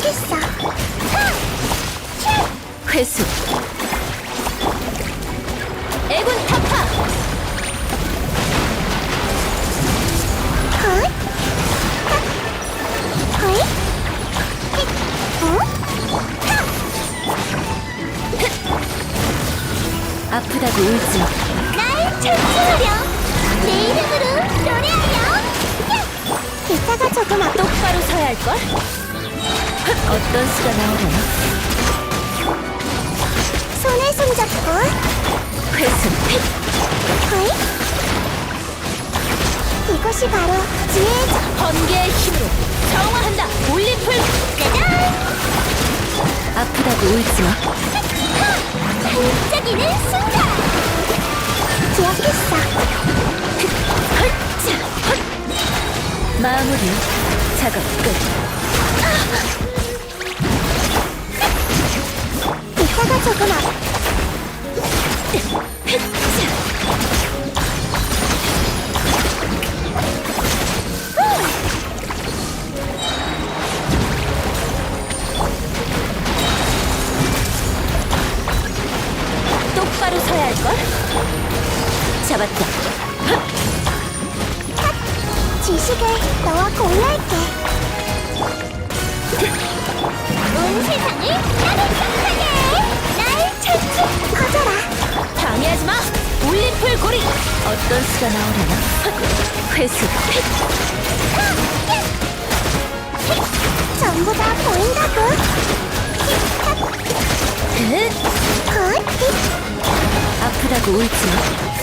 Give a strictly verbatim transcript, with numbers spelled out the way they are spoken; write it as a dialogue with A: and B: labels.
A: 기억했어.
B: 회수. 애군 타파.
A: 헛. 헛. 헛. 어?
B: 아프다고 울지 마.
A: 날 찬송하렴. 내 이름으로 노래하렴. 이따가 조금 앞.
B: 똑바로 서야 할걸? 어떤 수가 나오려나?
A: 손에 손잡고.
B: 회수.
A: 헛. 이것이 바로 지혜의 자.
B: 번개의 힘으로 정화한다. 올림플.
A: 짜잔!
B: 아프다고 울지 마.
A: 반짝이는 순간. 기억했어.
B: 헛자, 헛. 마무리. 작업 끝.
A: 이따가 조금 앞.
B: 똑바로 서야 할걸? 잡았다.
A: 지식을 너와 공유할게. 온 세상을 따뜻하게. 날 찾지. 커져라.
B: 방해하지 마. 올림플 고리. 어떤 수가 나오려나? 회수.
A: 전부 다 보인다고.
B: 흑.
A: 헛.
B: 아프다고 울지 마.